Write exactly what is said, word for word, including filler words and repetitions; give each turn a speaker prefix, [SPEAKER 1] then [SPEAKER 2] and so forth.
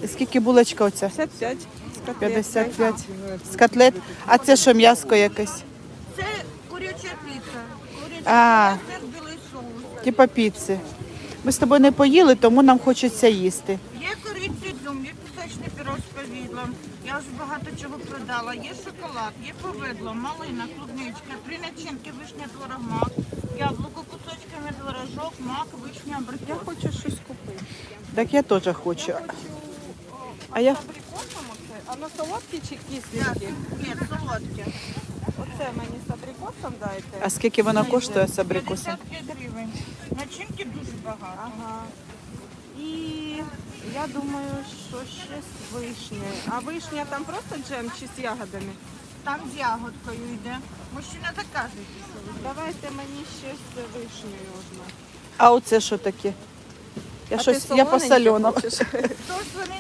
[SPEAKER 1] Скільки булочка оця?
[SPEAKER 2] п'ятдесят п'ять.
[SPEAKER 1] п'ятдесят п'ять. З котлет. А це що, м'яско якесь?
[SPEAKER 3] Це куряча піца. Куряча
[SPEAKER 1] А.
[SPEAKER 3] піца, сир, білий соус.
[SPEAKER 1] Типа піци. Ми з тобою не поїли, тому нам хочеться їсти.
[SPEAKER 3] Є кориці дум, є пісочний пірог з повідлом. Я вже багато чого продала. Є шоколад, є повидло, малина, клубничка, три начинки, вишня, творог, мак, яблуко, кусочками творожок, мак, вишня, абрикос.
[SPEAKER 2] Я хочу щось купити.
[SPEAKER 1] Так я теж хочу.
[SPEAKER 2] Хочу
[SPEAKER 1] А я-
[SPEAKER 2] з абрикосом оце. А на солодкі чи
[SPEAKER 3] Я-
[SPEAKER 2] кисленькі?
[SPEAKER 3] Ні, солодке.
[SPEAKER 2] Оце мені з абрикосом дайте.
[SPEAKER 1] А скільки воно коштує з абрикосом?
[SPEAKER 3] п'ятдесят п'ять гривень. Начинки дуже багато.
[SPEAKER 2] Ага. І я думаю, що ще з вишнею. А вишня там просто джем чи з ягодами?
[SPEAKER 3] Там з ягодкою йде. Мужчина так каже.
[SPEAKER 2] Давайте мені ще з вишнею одну.
[SPEAKER 1] А оце що таке? Я
[SPEAKER 2] А
[SPEAKER 1] щось,
[SPEAKER 2] ти
[SPEAKER 1] я по
[SPEAKER 2] солоненьке
[SPEAKER 1] соленому.
[SPEAKER 2] хочеш?
[SPEAKER 3] То свинина